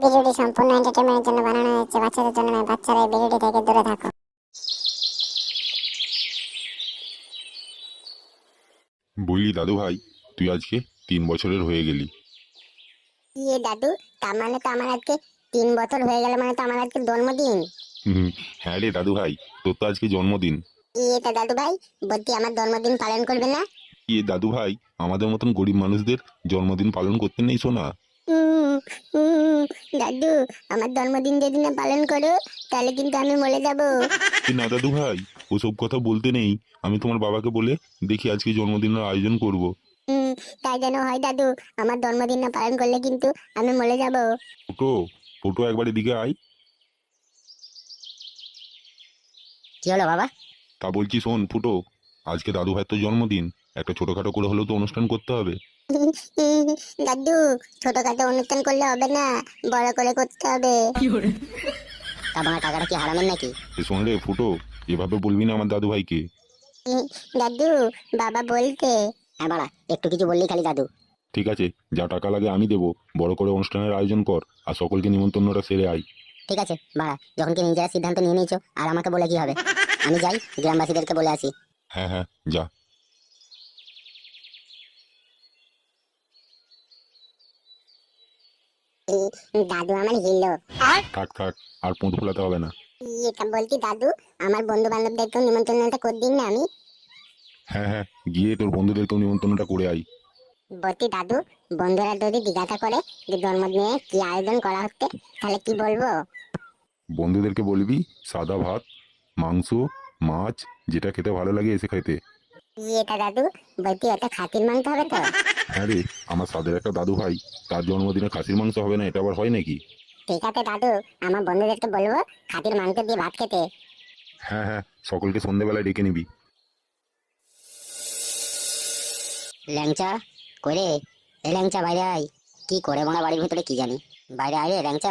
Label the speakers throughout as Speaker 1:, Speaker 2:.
Speaker 1: ভিডিওটি সম্পূর্ণ এন্টারটেইনমেন্টের জন্য বানানো হয়েছে, বাচ্চাদের জন্য নয়। বাচ্চারা এই ভিডিওটি থেকে দূরে থাকো।
Speaker 2: বুঝলি দাদু ভাই, তুই আজকে 3 বছরের হয়ে গেলি।
Speaker 1: ইয়ে দাদু, তার মানে তো আমার আজকে 3 বছর হয়ে গেল, মানে তো আমার আজকে জন্মদিন।
Speaker 2: হ্যাঁ রে দাদু ভাই, তোর তো আজকে জন্মদিন।
Speaker 1: তা দাদু ভাই, বলছি আমার জন্মদিন পালন করবে না?
Speaker 2: দাদু ভাই, আমাদের মতন গরিব মানুষদের জন্মদিন পালন করতে নেই শোনা।
Speaker 1: উম, উম, দাদু, আমার জন্মদিন যদি না পালন করো তাহলে কিন্তু আমি মরে যাব।
Speaker 2: না দাদু ভাই, ওসব কথা বলতে নেই। আমি তোমার বাবাকে বলে দেখি আজকে জন্মদিনের আয়োজন করব।
Speaker 1: উম, তাই যেন হয় দাদু, আমার জন্মদিন না পালন করলে কিন্তু আমি মরে যাব।
Speaker 2: ফুটো, ফুটো একবার এদিকে আয়।
Speaker 1: কি হলো বাবা?
Speaker 2: তা বলছি শোন ফুটো, আজকে দাদু ভাইয়ের তো জন্মদিন, একটা ছোটখাটো করে হলেও তো অনুষ্ঠান করতে হবে।
Speaker 1: দাদু, ছোটখাটো অনুষ্ঠান করলে হবে না, বড় করে করতে হবে। তা আমার টাকাটা কি হারামেন নাকি?
Speaker 2: শোন রে ফুটো, এভাবে বলবি না আমার দাদু ভাইকে।
Speaker 1: দাদু, বাবা বলতে। হ্যাঁ বাড়া, একটু কিছু বললেই খালি দাদু।
Speaker 2: ঠিক আছে, যা টাকা লাগে আমি দেবো, বড় করে অনুষ্ঠানের আয়োজন কর আর সকলকে নিমন্ত্রণটা সেরে আয়।
Speaker 1: ঠিক আছে বাড়া, যখন কি নিজেরা সিদ্ধান্ত নিয়ে নিয়েছো আর আমাকে বলে কি হবে? আমি যাই, গ্রামবাসীদেরকে বলে আসি।
Speaker 2: হ্যাঁ হ্যাঁ, যা।
Speaker 1: দাদু আমার হিলো।
Speaker 2: থাক থাক, আর পুঁত ফোলাতে হবে না।
Speaker 1: এটা বলছি দাদু, আমার বন্ধু বান্ধবদেরকেও নিমন্ত্রণটা করে দিন না আমি।
Speaker 2: হ্যাঁ হ্যাঁ, গিয়ে তোর বন্ধুদেরকেও নিমন্ত্রণটা করে আয়।
Speaker 1: বলছি দাদু, বন্ধুরা যদি জিজ্ঞাসা করে যে জন্মদিনে কি আয়োজন করা হচ্ছে, তাহলে কি বলবো?
Speaker 2: বন্ধুদেরকে বলবি সাদা ভাত, মাংস, মাছ, যেটা খেতে ভালো লাগে এসে খেতে।
Speaker 1: এটা দাদু, বলছি ওটা খাসির মাংস হবে তো?
Speaker 2: হ্যাঁ রে, আমার সাদের একটা দাদু ভাই, তার জন্মদিনে খাসির মাংস হবে না, এটা আবার হয় নাকি?
Speaker 1: ঠিক আছে দাদু, আমার বন্ধুদেরকে বলবো খাসির মাংস দিয়ে ভাত খেতে।
Speaker 2: হ্যাঁ হ্যাঁ, সকলকে সন্ধ্যেবেলায় ডেকে নিবি।
Speaker 1: ল্যাংচা, কই রে? এ ল্যাংচা, বাইরে আয়। কি করে মোনা বাড়ির ভিতরে কি জানি। বাইরে আয় রে ল্যাংচা।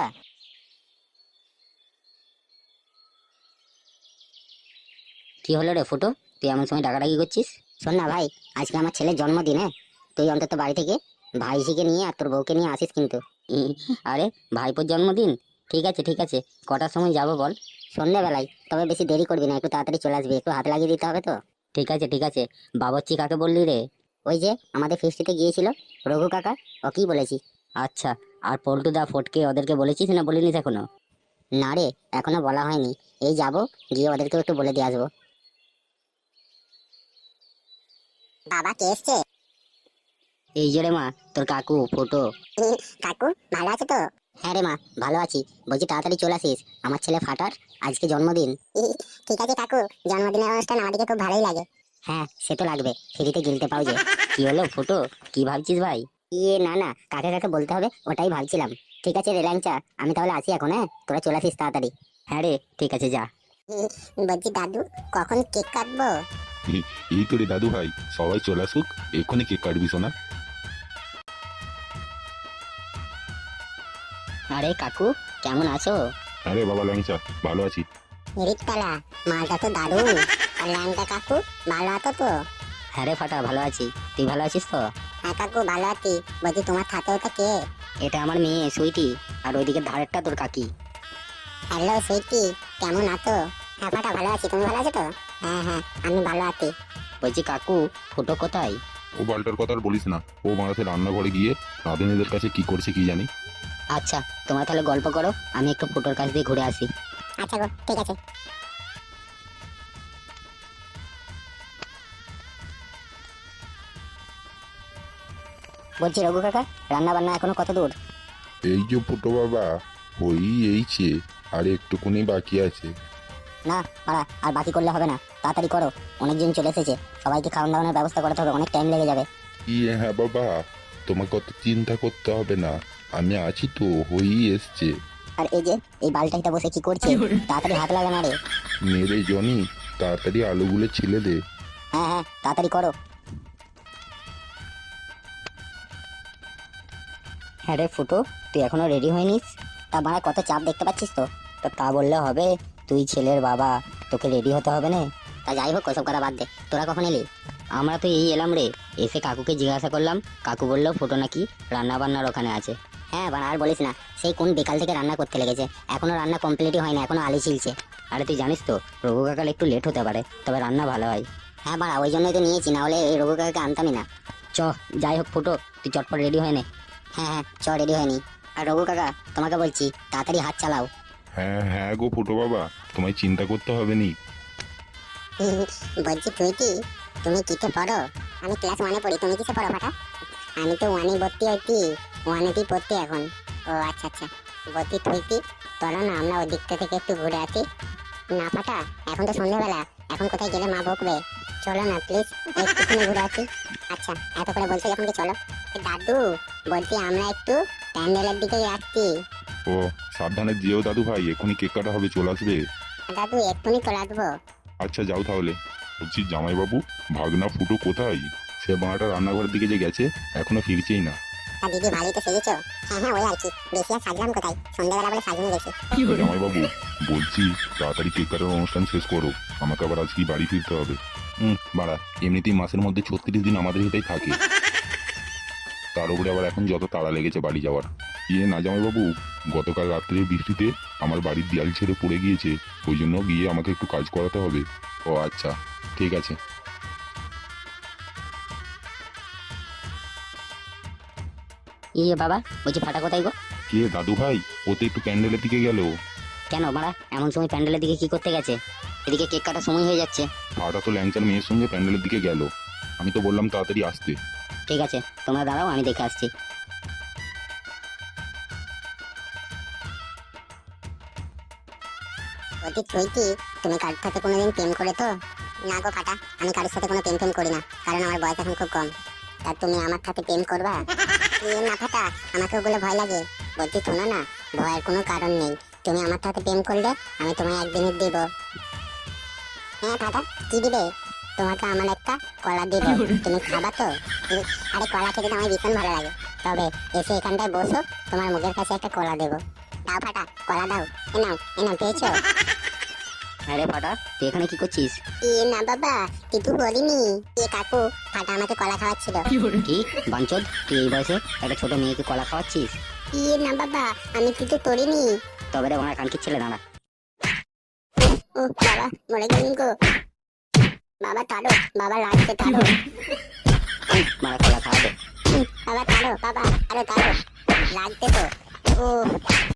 Speaker 1: কি হলো রে ফুটো, তুই এমন সময় ডাকাডাকি করছিস? শোন না ভাই, আজকে আমার ছেলের জন্মদিন, হ্যাঁ? তুই অন্তত বাড়ি থেকে ভাইঝিকে নিয়ে আর তোর বউকে নিয়ে আসিস কিন্তু। আরে, ভাইপোর জন্মদিন? ঠিক আছে ঠিক আছে, কটার সময় যাব বল? সন্ধ্যাবেলায়, তবে বেশি দেরি করবি না, একটু তাড়াতাড়ি চলে আসবি, একটু হাত লাগিয়ে দিতে হবে তো। ঠিক আছে ঠিক আছে। বাবুর্চি কাকে বললি রে? ওই যে আমাদের ফেস্টিতে গিয়েছিল, রঘু কাকা, ও কি বলেছি। আচ্ছা, আর পল্টু দা ফটকে ওদেরকে বলেছিস না বলিনি এখনো? না রে, এখনো বলা হয়নি। এই যাব, গিয়ে ওদেরকেও একটু বলে দিয়ে আসবো। বাবা কে এসছে? এই যে রে মা, তোর কাকু ফুটো। কাকু ভালো আছে তো? হ্যাঁ রে মা, ভালো আছি। বলছি তাড়াতাড়ি চলে আসিস, আমার ছেলে ফাটার আজকে জন্মদিন। ঠিক আছে কাকু, জন্মদিনের অনুষ্ঠান আমাদেরকে খুব ভালোই লাগে। হ্যাঁ, সে তো লাগবে, ফ্রিতে গিলতে পাও যে। কি হলো ফুটো, কি ভাবছিস ভাই? না না, কাকে কাকে বলতে হবে ওটাই ভাবছিলাম। ঠিক আছে রে ল্যাংচা, আমি তাহলে আসি এখন, হ্যাঁ? তোরা চলে আসিস তাড়াতাড়ি। হ্যাঁ রে, ঠিক আছে, যা। বলছি দাদু, কখন কেক কাটবো?
Speaker 2: এই তো রে দাদু ভাই, সবাই চলে আসুক, এক্ষুনি কেক কাটবি শোনা।
Speaker 1: আরে কাকু, কেমন আছো?
Speaker 2: আরে বাবা ল্যাংচা, ভালো আছি।
Speaker 1: রিকতলা, মালটা তো দারুণ। আর ল্যাংটা কাকু, ভালো আছো তো? হ্যাঁ রে ফাটা, ভালো আছি। তুই ভালো আছিস তো? হ্যাঁ কাকু, ভালো আছি। বলছি তোমার সাথে ওটা কে? এটা আমার মেয়ে সুইটি, আর ওইদিকে ধারেরটা তোর কাকি। হ্যালো সুইটি, কেমন আছো? হ্যাঁ ফাটা, ভালো আছি। তুমি ভালো আছো তো? হ্যাঁ হ্যাঁ, আমি ভালো আছি। বলছি কাকু, ফুটো কোথায়?
Speaker 2: ও বালটার কথা আর বলিস না, ও বাড়াতে রান্নাঘরে গিয়ে রাঁধুনিদের কাছে কি করছে কি জানি।
Speaker 1: আচ্ছা, তোমরা তাহলে গল্প করো, আমি একটু ফুটোর কাছ দিয়ে ঘুরে আসি। আচ্ছা গো, ঠিক আছে। বলছি রঘু কাকা, রান্না বান্না এখনো কত দূর?
Speaker 2: এই যে ফুটো বাবা, ওই এইছে, আর একটুকুনি বাকি আছে।
Speaker 1: না পাড়া, আর বাকি করলে হবে না, তাড়াতাড়ি করো। অনেকজন চলে এসেছে, সবাইকে খাওয়ান দাওয়ানোর ব্যবস্থা করতে হবে, অনেক টাইম লেগে যাবে।
Speaker 2: হ্যাঁ বাবা, তোমাকে অত চিন্তা করতে হবে না, আমি আছি তো, হয়েই এসছে।
Speaker 1: আর এই যে এই বালটাইটা বসে কি করছে? তাড়াতাড়ি হাত লাগা না রে।
Speaker 2: মেরে জনি, তাড়াতাড়ি আলুগুলো ছিলে দে।
Speaker 1: হ্যাঁ হ্যাঁ, তাড়াতাড়ি করো। হ্যাঁ রে ফুটো, তুই এখনো রেডি হয়নিস? তা বাড়া, কত চাপ দেখতে পাচ্ছিস তো। তা বললে হবে? তুই ছেলের বাবা, তোকে রেডি হতে হবে না? তা যাই হোক, ওসব কথা বাদ দে। তোরা কখন এলি? আমরা তো এই এলাম রে। এসে কাকুকে জিজ্ঞাসা করলাম, কাকু বললো ফুটো নাকি রান্না বান্নার ওখানে আছে। হ্যাঁ বাড়া আর বলিস না, সেই কোন বিকাল থেকে রান্না করতে লেগেছে, এখনো রান্না কমপ্লিটই হয় না, এখনো আলি ছিলছে। আরে তুই জানিস তো রঘু কাকার একটু লেট হতে পারে, তবে রান্না ভালো হয়। হ্যাঁ বাড়া ওই জন্যই তো নিয়েছি, না হলে এই রঘু কাকাকে আনতামই না। চ যাই হোক ফুটো, তুই চটপট রেডি হয়ে নে। হ্যাঁ হ্যাঁ চ রেডি হয়নি। আর রঘু কাকা তোমাকে বলছি তাড়াতাড়ি হাত চালাও।
Speaker 2: হ্যাঁ হ্যাঁ গো ফুটো বাবা, তোমায় চিন্তা করতে হবে নি।
Speaker 1: বলছি তুমি কিতে পড়ো? আমি ক্লাস 1-এ পড়ি, তুমি কিসে পড়ো ফাটা? আমি তো 1-এ ভর্তি হইতি, 1-এতেই পড়তি এখন। ও আচ্ছা আচ্ছা, ভর্তি হইতি। চলো না আমরা ওই দিকটা থেকে একটু ঘুরে আসি। না ফাটা, এখন তো সন্ধ্যাবেলা, এখন কোথায় গেলে মা বকবে। চলো না প্লিজ একটুখানি ঘুরে আসি। আচ্ছা এত করে বলছো যখন কি চলো। দাদু বলছি আমরা একটু প্যান্ডেলের দিকে যাচ্ছি।
Speaker 2: ও সাবধানে যেও দাদু ভাই, এখনই কেক কাটা হবে, চলে আসবে।
Speaker 1: দাদু এক্ষুনি চলে আসবো।
Speaker 2: আচ্ছা যাও তাহলে। বলছি জামাইবাবু, ভাগনা ফুটো কোথায়? সে বাঁটা রান্নাঘরের দিকে যে গেছে, এখনো ফিরছেই না।
Speaker 1: দিদি ভালোই তো সেজেছো। হ্যাঁ হ্যাঁ ওই আর কি, বেশি আর সাজলাম কোথায়, সন্ধ্যাবেলা বলে সাজিয়ে গেছি।
Speaker 2: জামাইবাবু বলছি তাড়াতাড়ি কেক কাটার অনুষ্ঠান শেষ করো, আমাকে আবার আজকেই বাড়ি ফিরতে হবে। বাড়া এমনিতেই মাসের মধ্যে 36 দিন আমাদের এটাই থাকে, তার উপরে আবার এখন যত তাড়া লেগেছে বাড়ি যাওয়ার। না জামাইবাবু, গতকাল রাত্রে বৃষ্টিতে আমার বাড়ির দেয়াল ছেড়ে পড়ে গিয়েছে, ওই জন্য গিয়ে আমাকে একটু কাজ করাতে হবে। ও আচ্ছা ঠিক আছে।
Speaker 1: ইয়ে বাবা বলছি ফাটা কোথায় গো?
Speaker 2: কে দাদু ভাই? ও তো একটু প্যান্ডেলের দিকে গেল।
Speaker 1: কেন মারা এমন সময় প্যান্ডেলের দিকে কি করতে গেছে? এদিকে কেক কাটার সময় হয়ে যাচ্ছে।
Speaker 2: ফাটা তো ল্যাংচার মেয়ের সঙ্গে প্যান্ডেলের দিকে গেল, আমি তো বললাম তাড়াতাড়ি আসতে।
Speaker 1: ঠিক আছে তোমরা দাঁড়াও, আমি দেখে আসছি। তুমি কারোর সাথে কোনোদিন প্রেম করে তো? না গো ফাটা, আমি কারোর সাথে কোনো প্রেম করি না, কারণ আমার বয়স এখন খুব কম। তা তুমি আমার সাথে প্রেম করবা? না ফাটা, আমাকে ওগুলো ভয় লাগে। বলছি শোনো না, ভয়ের কোনো কারণ নেই, তুমি আমার সাথে প্রেম করলে আমি তোমায় একদিনই দিব। হ্যাঁ ফাটা কি দিবে? তোমাকে আমার একটা কলা দিব, তুমি খাবা তো? আরে কলা খেতে তো আমার ভীষণ ভালো লাগে, তবে এসে এখানটায় বসো, তোমার মুখের কাছে একটা কলা দেবো। দাও ফাটা কলা দাও। এ নাও পেয়েছো? আরে ফাটা তুই এখানে কি করছিস? না বাবা কিছু বলিনি। কাকু ফাটা আমাকে কলা খাওয়াচ্ছিল। কি বাঞ্চদ, তুই এই বয়সে একটা ছোট মেয়েকে কলা খাওয়াচ্ছিস? না বাবা আমি কিছু করিনি। তবে রে ওনার কানকির ছেলে দাঁড়া। ও বাবা মরে গেলেন গো। বাবা তাড়ো, বাবা লাগছে তাড়ো। মারা কলা খাওয়াবে। বাবা তাড়ো, বাবা আরে তাড়ো, লাগছে তো। ও